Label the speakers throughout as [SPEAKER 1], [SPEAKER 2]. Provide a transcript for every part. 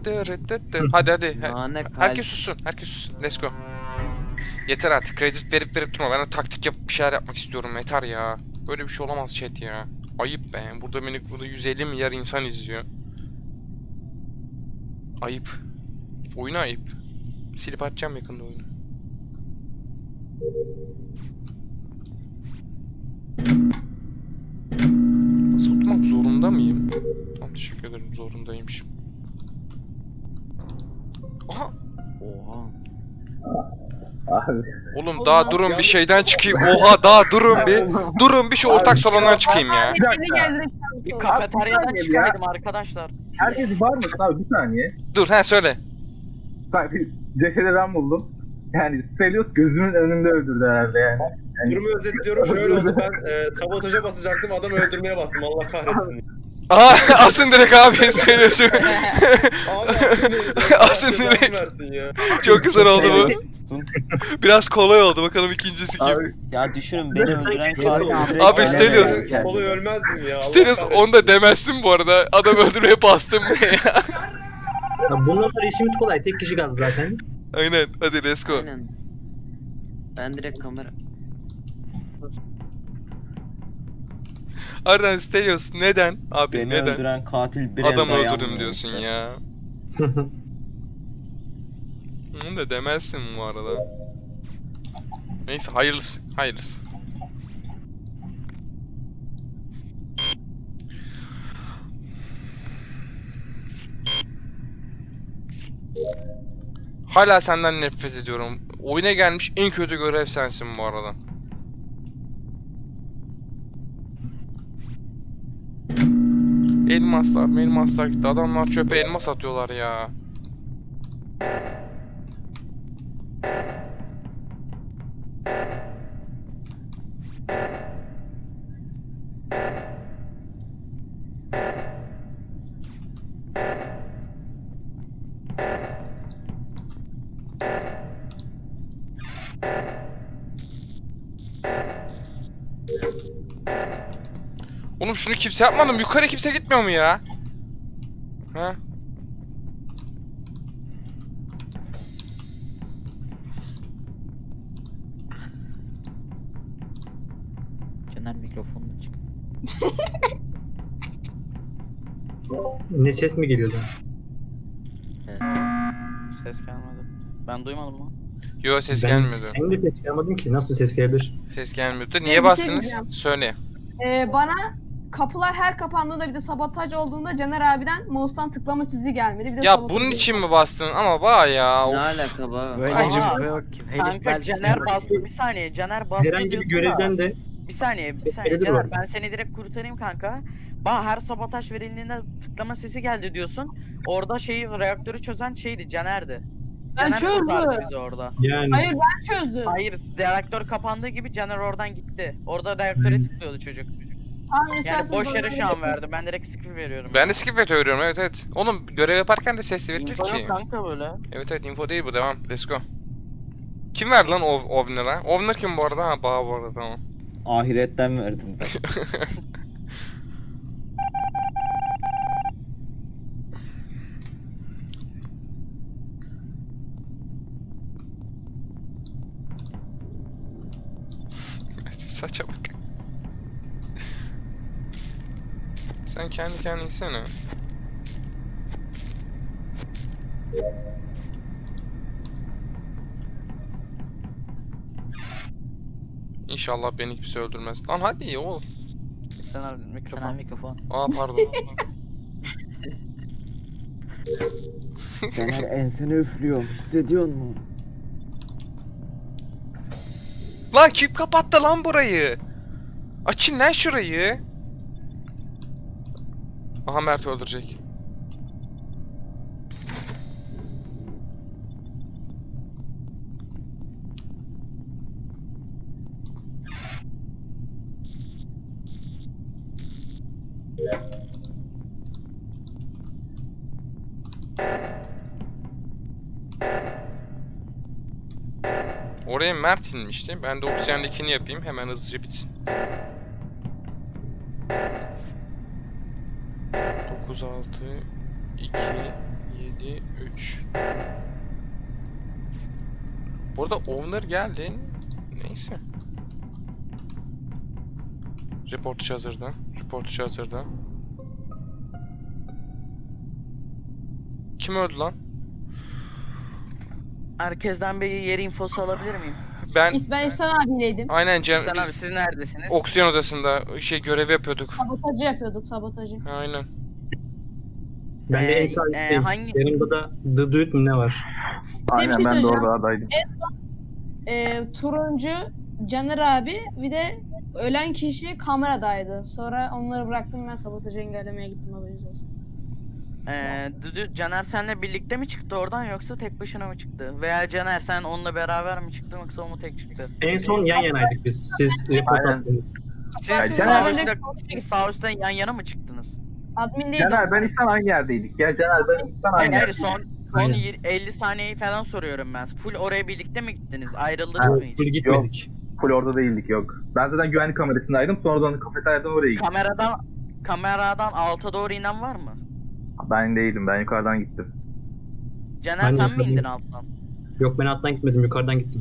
[SPEAKER 1] Hadi hadi.
[SPEAKER 2] Nane kalp.
[SPEAKER 1] Herkes sussun. Herkes sussun. Let's go. Yeter artık. Kredi verip durma. Ben de taktik yapıp bir şeyler yapmak istiyorum. Yeter ya. Böyle bir şey olamaz chat ya. Ayıp be. Burada 150 milyar insan izliyor. Ayıp. Oyunu ayıp. Silip atacağım yakında oyunu. Nasıl tutmak zorunda mıyım? Tamam, teşekkür ederim. Zorundaymışım. Aha!
[SPEAKER 2] Oha.
[SPEAKER 3] Abi.
[SPEAKER 1] Oğlum daha durun bir şeyden çıkayım. Oha daha durun bir. Durun bir şu ortak salondan çıkayım ya.
[SPEAKER 3] Bir dakika.
[SPEAKER 4] Bir kafeteryadan
[SPEAKER 3] Abi,
[SPEAKER 4] çıkaydım arkadaşlar.
[SPEAKER 3] Herkes var mı abi, bir saniye.
[SPEAKER 1] Dur söyle.
[SPEAKER 3] Bak, cesedi ben buldum. Yani Stelios gözümün önünde öldürdü herhalde yani.
[SPEAKER 5] Durumu özetliyorum. Şöyle oldu, ben sabotaja basacaktım, adamı öldürmeye bastım. Allah kahretsin.
[SPEAKER 1] Aa asın direkt abi söylüyorsun.
[SPEAKER 5] Abi
[SPEAKER 1] Asın
[SPEAKER 5] Allah
[SPEAKER 1] direkt.
[SPEAKER 5] versin ya.
[SPEAKER 1] Çok güzel oldu bu.
[SPEAKER 2] Tutun.
[SPEAKER 1] Biraz kolay oldu. Bakalım ikincisi kim?
[SPEAKER 3] Abi,
[SPEAKER 2] Ya düşünün beni öldüren katil.
[SPEAKER 1] Abi Stelios.
[SPEAKER 5] Kolay ölmezdim ya. Allah
[SPEAKER 1] Stelios
[SPEAKER 5] kahretsin.
[SPEAKER 1] onu da demezsin bu arada. Adam öldürmeye bastım ya.
[SPEAKER 6] Ya bundan sonra işimiz kolay. Tek kişi kaldı zaten.
[SPEAKER 1] Aynen. Hadi let's go.
[SPEAKER 2] Aynen. Ben direkt kamera.
[SPEAKER 1] Ardından Stelios neden? Abi
[SPEAKER 2] Beni
[SPEAKER 1] neden?
[SPEAKER 2] öldüren katil bir
[SPEAKER 1] Adam
[SPEAKER 2] elde
[SPEAKER 1] öldürdüm
[SPEAKER 2] yanmıyor
[SPEAKER 1] diyorsun
[SPEAKER 2] işte.
[SPEAKER 1] ya. Onu da demezsin bu arada. Neyse hayırlısı. Hayırlısı. Hala senden nefret ediyorum. Oyuna gelmiş en kötü görev sensin bu arada. Elmaslar gitti. Adamlar çöpe elmas atıyorlar ya. Oğlum şunu kimse yapmadı mı? Yukarı kimse gitmiyor mu ya? Ha?
[SPEAKER 2] Caner mikrofonunu çık.
[SPEAKER 6] Ne ses mi geliyordu?
[SPEAKER 2] Evet.
[SPEAKER 4] Ses gelmedi. Ben duymadım mı?
[SPEAKER 1] Yo ses
[SPEAKER 6] Ben
[SPEAKER 1] gelmiyordu.
[SPEAKER 6] Ben de ses çıkarmadım ki. Nasıl ses gelebilir?
[SPEAKER 1] Ses gelmiyordu.
[SPEAKER 7] Ben bir
[SPEAKER 1] Niye
[SPEAKER 7] şey
[SPEAKER 1] bastınız?
[SPEAKER 7] diyeceğim.
[SPEAKER 1] Söyle.
[SPEAKER 7] Bana kapılar her kapandığında bir de sabotaj olduğunda Caner abiden mouse'tan tıklama sizi gelmedi. Bir de
[SPEAKER 1] Ya
[SPEAKER 7] sabotaj
[SPEAKER 1] bunun
[SPEAKER 7] oldu.
[SPEAKER 1] için mi bastın? Ama bak ya.
[SPEAKER 2] Ne
[SPEAKER 1] Of.
[SPEAKER 2] alaka be?
[SPEAKER 4] Böyle
[SPEAKER 1] Ay,
[SPEAKER 4] bir şey yok ki. Kanka Caner bastı. Bir saniye Caner bastı
[SPEAKER 6] Herhangi bir
[SPEAKER 4] diyorsun
[SPEAKER 6] görevden
[SPEAKER 4] da.
[SPEAKER 6] de
[SPEAKER 4] Bir saniye
[SPEAKER 6] Görevi
[SPEAKER 4] Caner,
[SPEAKER 6] var.
[SPEAKER 4] ben seni direkt kurtarayım kanka. Bana her sabotaj verildiğinde tıklama sesi geldi diyorsun. Orada reaktörü çözen şeydi, Caner'di.
[SPEAKER 7] Ben
[SPEAKER 4] Caner kurtardı
[SPEAKER 7] çözdüm.
[SPEAKER 4] bizi orada.
[SPEAKER 6] yani
[SPEAKER 7] Hayır ben çözdüm.
[SPEAKER 4] Hayır, reaktör kapandığı gibi Caner oradan gitti. Orada reaktöre tıklıyordu çocuk.
[SPEAKER 7] Tamam,
[SPEAKER 4] Yani
[SPEAKER 7] isterseniz
[SPEAKER 4] boş yere
[SPEAKER 7] bana
[SPEAKER 4] şu an
[SPEAKER 7] verin.
[SPEAKER 4] verdi. Ben direkt skip veriyorum.
[SPEAKER 1] Ben de skip veriyorum evet. Oğlum görev yaparken de sesli verilir
[SPEAKER 4] Info
[SPEAKER 1] ki.
[SPEAKER 4] yok kanka böyle.
[SPEAKER 1] Evet info değil bu, devam. Let's go. Kim verdi lan Ovner'a? Ovner kim bu arada? Ha Bağ bu arada, tamam.
[SPEAKER 2] Ahiretten verdim ben.
[SPEAKER 1] Saça bak. Sen kendi kendine gitsene. İnşallah beni kimse öldürmez. Lan hadi oğlum.
[SPEAKER 4] Sen al mikrofon.
[SPEAKER 2] Sana mikrofon.
[SPEAKER 1] Aa pardon.
[SPEAKER 2] Caner ensene üflüyor. Hissediyor musun?
[SPEAKER 1] Lan kim kapattı lan burayı? Açın lan şurayı. Aha Mert öldürecek. Oraya Mert inmişti. Ben de oksijendekini yapayım. Hemen hızlıca bitsin. 9, 6, 2, 7, 53. Burada owner geldi. Neyse. Report işi hazırda. Report işi hazırda. Kim öldü lan?
[SPEAKER 4] Herkesten bir yer infosu alabilir miyim?
[SPEAKER 1] Ben
[SPEAKER 7] Ben İhsan abiyleydim.
[SPEAKER 1] aynen
[SPEAKER 4] Sen abi siz neredesiniz?
[SPEAKER 1] oksijen odasında görev yapıyorduk.
[SPEAKER 7] Sabotajı yapıyorduk, sabotajı.
[SPEAKER 1] Aynen.
[SPEAKER 6] Ben de en
[SPEAKER 4] Ee,
[SPEAKER 6] sağdayım.
[SPEAKER 4] hangi-
[SPEAKER 6] Yanımda da The Dude mu ne var?
[SPEAKER 3] Aynen ben de
[SPEAKER 7] söyleyeceğim.
[SPEAKER 3] orada adaydım.
[SPEAKER 7] Turuncu, Caner abi, bir de ölen kişi kameradaydı. Sonra onları bıraktım, ben sabotajı engellemeye gittim, haberiniz olsun.
[SPEAKER 4] Caner senle birlikte mi çıktı oradan yoksa tek başına mı çıktı? Veya Caner sen onunla beraber mi çıktın yoksa o mu tek çıktı?
[SPEAKER 6] En son yan yanaydık biz. Siz report
[SPEAKER 3] Aynen.
[SPEAKER 6] attınız.
[SPEAKER 4] Siz
[SPEAKER 3] Ya
[SPEAKER 4] sağ
[SPEAKER 3] Caner-
[SPEAKER 4] üstte, sağ üstte yan yana mı çıktınız?
[SPEAKER 7] Admindeydim.
[SPEAKER 3] Caner ben İhsan aynı yerdeydik. Ya Caner ben İhsan
[SPEAKER 4] Hayır
[SPEAKER 3] aynı
[SPEAKER 4] hayır
[SPEAKER 3] yerdeydik.
[SPEAKER 4] son
[SPEAKER 6] Aynen.
[SPEAKER 4] 50 saniyeyi falan soruyorum ben. Full oraya birlikte mi gittiniz? Ayrıldınız
[SPEAKER 3] Ha,
[SPEAKER 4] mı
[SPEAKER 6] Full
[SPEAKER 4] hiç?
[SPEAKER 6] gitmedik.
[SPEAKER 3] Full orada değildik yok. Ben zaten güvenlik kamerasındaydım. Sonradan kafeteryadan oraya gittim.
[SPEAKER 4] Kameradan alta doğru inen var mı?
[SPEAKER 3] Ben değildim. Ben yukarıdan gittim.
[SPEAKER 4] Caner
[SPEAKER 6] Ben de
[SPEAKER 4] sen mi
[SPEAKER 6] yukarıdan-
[SPEAKER 4] indin alttan?
[SPEAKER 6] Yok ben alttan gitmedim, yukarıdan gittim.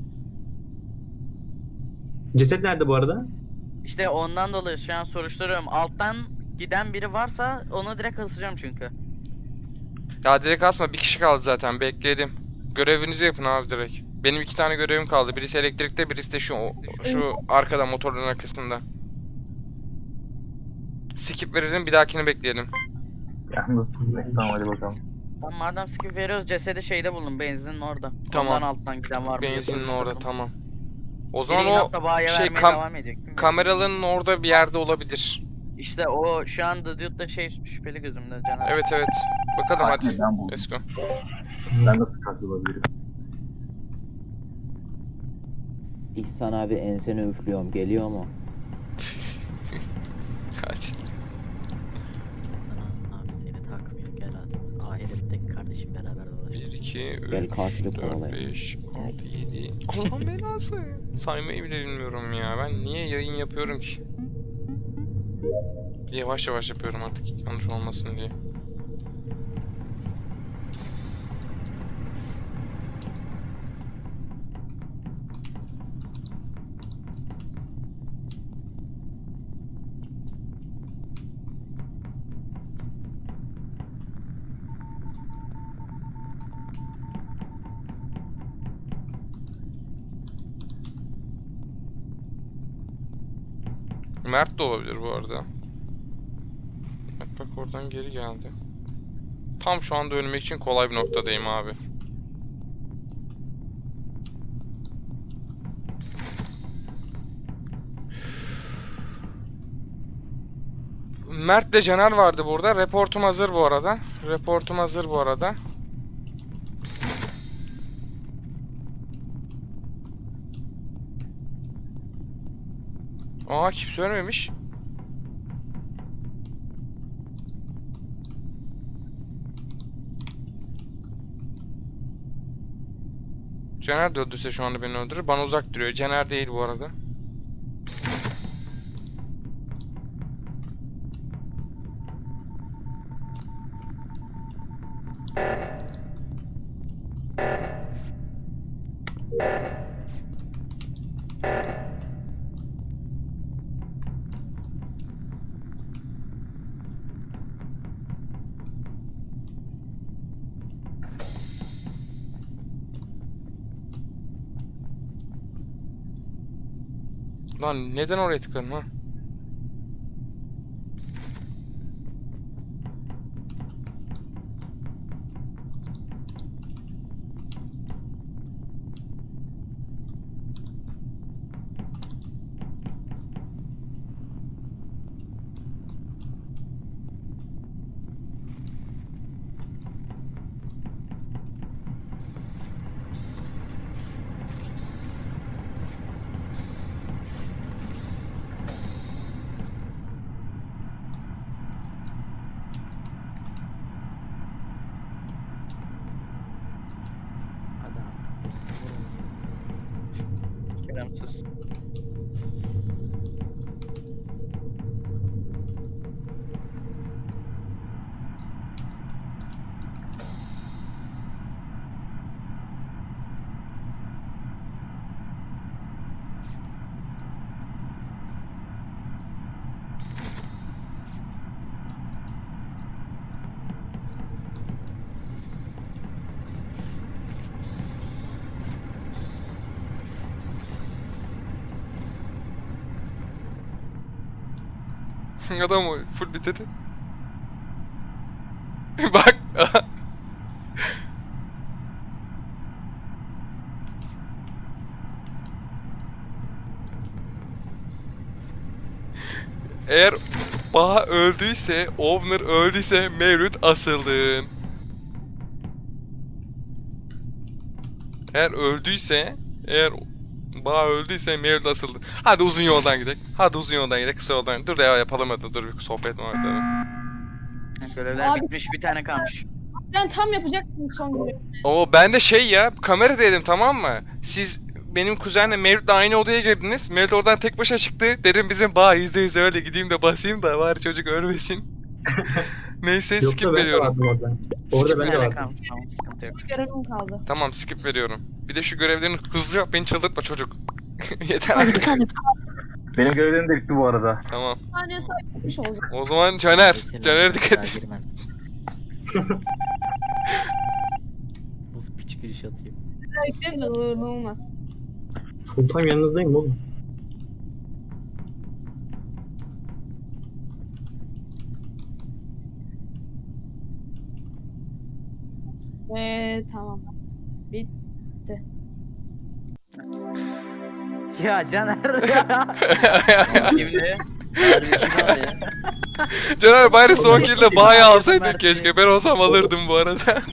[SPEAKER 6] Ceset nerede bu arada?
[SPEAKER 4] İşte ondan dolayı şu an soruşturuyorum. Alttan giden biri varsa onu direkt asacağım çünkü.
[SPEAKER 1] Ya direkt asma, bir kişi kaldı zaten, bekledim. Görevinizi yapın abi direkt. Benim 2 tane görevim kaldı. Birisi elektrikte, birisi de şu arkada, motorun arkasında. Skip verelim, bir dahakini bekleyelim.
[SPEAKER 3] Yalnız. Tamam hadi bakalım.
[SPEAKER 4] Tamam madem skip veriyoruz cesedi şeyde buldum benzinin orada.
[SPEAKER 1] Tamam.
[SPEAKER 4] Ondan alttan giden var mı? diye
[SPEAKER 1] Benzinin orada,
[SPEAKER 4] soruşturdum.
[SPEAKER 1] tamam. O
[SPEAKER 4] Biri
[SPEAKER 1] zaman o
[SPEAKER 4] inatla bayiye
[SPEAKER 1] şey,
[SPEAKER 4] vermeye devam ediyor. Kim bilir?
[SPEAKER 1] kameraların orada bir yerde olabilir.
[SPEAKER 4] İşte o şu an The Dude'da şey şüpheli gözümde Caner.
[SPEAKER 1] Evet evet. Bakalım hadi.
[SPEAKER 3] Ben buldum.
[SPEAKER 1] Let's go.
[SPEAKER 3] Ben nasıl katil olabilirim?
[SPEAKER 2] İhsan abi enseni üflüyorum. Geliyor mu?
[SPEAKER 1] Hadi.
[SPEAKER 8] Sana abi seni takmıyor gel hadi. Ahirette kardeşim beraber dolaşalım.
[SPEAKER 1] 1, 2,
[SPEAKER 2] Gel
[SPEAKER 1] 3,
[SPEAKER 2] karşılık
[SPEAKER 1] 4,
[SPEAKER 2] kovalayalım.
[SPEAKER 1] 5, 6, 7. Allah'ın belası. Saymayı bile bilmiyorum ya. Ben niye yayın yapıyorum ki? Bir de yavaş yavaş yapıyorum artık, yanlış olmasın diye. Mert de olabilir bu arada. Bak oradan geri geldi. Tam şu anda ölmek için kolay bir noktadayım abi. Mert de Caner vardı burada. Reportum hazır bu arada. Reportum hazır bu arada. Aa, kimse ölmemiş. Caner de öldürse şu anda beni öldürür. Bana uzak duruyor. Caner değil bu arada. Lan neden oraya tıkladın ha?
[SPEAKER 8] Hadi artık.
[SPEAKER 4] Kerem sus.
[SPEAKER 1] Adam full bitirdi. Bak. Eğer Baha öldüyse, Ovner öldüyse Mevlüt asıldın. Eğer Baha öldüyse Mevlüt asıldı. Hadi uzun yoldan gidelim. Kısa yoldan. Dur ya yapalım hadi. Dur bir sohbet muhabbet edelim.
[SPEAKER 4] Görevler
[SPEAKER 7] Abi-
[SPEAKER 4] bitmiş, bir tane kalmış.
[SPEAKER 7] Ben tam yapacaktım son görevi.
[SPEAKER 1] Oo ben de şey ya kamera dedim tamam mı? Siz benim kuzenle Mevlüt'le aynı odaya girdiniz. Mevlüt oradan tek başına çıktı. Dedim bizim Baha %100 öyle gideyim de basayım da bari çocuk ölmesin. Neyse skip
[SPEAKER 6] Yoksa ben de
[SPEAKER 1] veriyorum.
[SPEAKER 6] vardım orada.
[SPEAKER 1] Skip
[SPEAKER 6] Orada
[SPEAKER 4] Bir
[SPEAKER 6] ben de
[SPEAKER 4] tane
[SPEAKER 6] vardım.
[SPEAKER 4] kalmış, tamam sıkıntı yok.
[SPEAKER 7] Bir görevim kaldı.
[SPEAKER 1] Tamam skip veriyorum. Bir de şu görevlerini hızlı yap beni çıldırtma çocuk. Yeter
[SPEAKER 7] Abi bir
[SPEAKER 1] artık.
[SPEAKER 7] tane
[SPEAKER 3] Benim görevlerim de bitti bu arada.
[SPEAKER 1] Tamam.
[SPEAKER 7] saniye saymış olacak.
[SPEAKER 1] O zaman Caner.
[SPEAKER 8] Senin
[SPEAKER 1] Caner'e
[SPEAKER 8] daha
[SPEAKER 1] dikkat et.
[SPEAKER 8] girmez. Nasıl piç giriş atayım?
[SPEAKER 7] Bekleyin de olmaz.
[SPEAKER 6] Full time yanınızdayım oğlum.
[SPEAKER 7] Tamam.
[SPEAKER 4] Ya Caner ya. Şimdi
[SPEAKER 8] Harbi kim abi ya?
[SPEAKER 1] Caner bari son
[SPEAKER 4] Oğlum,
[SPEAKER 1] kill'de
[SPEAKER 4] hepsi
[SPEAKER 1] Baha'yı
[SPEAKER 4] bir
[SPEAKER 1] alsaydın
[SPEAKER 4] verdi.
[SPEAKER 1] keşke. Ben olsam alırdım bu arada.